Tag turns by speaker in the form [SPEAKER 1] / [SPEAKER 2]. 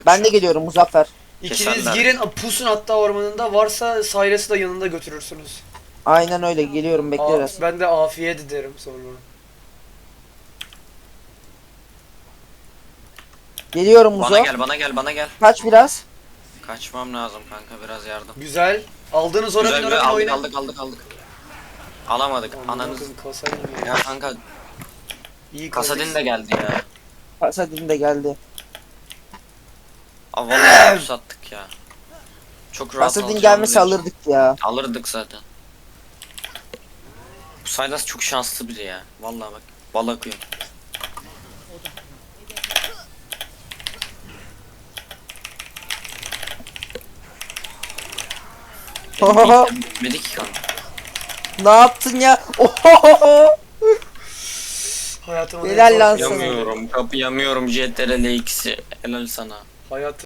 [SPEAKER 1] Ben de geliyorum Muzaffer.
[SPEAKER 2] İkiniz
[SPEAKER 3] Keserler.
[SPEAKER 2] girin pusun hatta ormanında, varsa Cyrus'ı da yanında götürürsünüz.
[SPEAKER 1] Aynen öyle geliyorum bekle biraz.
[SPEAKER 2] Ben de afiyet ederim sonra.
[SPEAKER 1] Geliyorum Muzo.
[SPEAKER 3] Bana gel, bana gel, bana gel.
[SPEAKER 1] Kaç biraz.
[SPEAKER 3] Kaçmam lazım kanka, biraz yardım.
[SPEAKER 2] Güzel. Aldınız oraya,
[SPEAKER 3] Güzel,
[SPEAKER 2] bin
[SPEAKER 3] güzel,
[SPEAKER 2] oraya,
[SPEAKER 3] aldık,
[SPEAKER 2] oyna.
[SPEAKER 3] aldık. Alamadık, ananız.
[SPEAKER 2] Kasa iyiymiş.
[SPEAKER 3] Ya kanka,
[SPEAKER 2] İyi
[SPEAKER 3] Kasadin de geldi ya.
[SPEAKER 1] Pasadin de geldi.
[SPEAKER 3] Aa vallahi pus attık ya. Çok rahat
[SPEAKER 1] Pasadin
[SPEAKER 3] alacağımı
[SPEAKER 1] gelmesi
[SPEAKER 3] demiştim.
[SPEAKER 1] alırdık ya.
[SPEAKER 3] Alırdık zaten. Bu Sylas çok şanslı biri ya. Vallahi bak, bal akıyor.
[SPEAKER 1] Ohoho.
[SPEAKER 3] Bitmedi ki kanka.
[SPEAKER 1] Ne yaptın ya? Ohoho.
[SPEAKER 2] Hayatımın
[SPEAKER 1] Helal
[SPEAKER 2] en
[SPEAKER 1] lan
[SPEAKER 2] zor-
[SPEAKER 1] sana.
[SPEAKER 3] Kapıyamıyorum, kapıyamıyorum JTRL X'i. Helal sana.
[SPEAKER 2] Hayat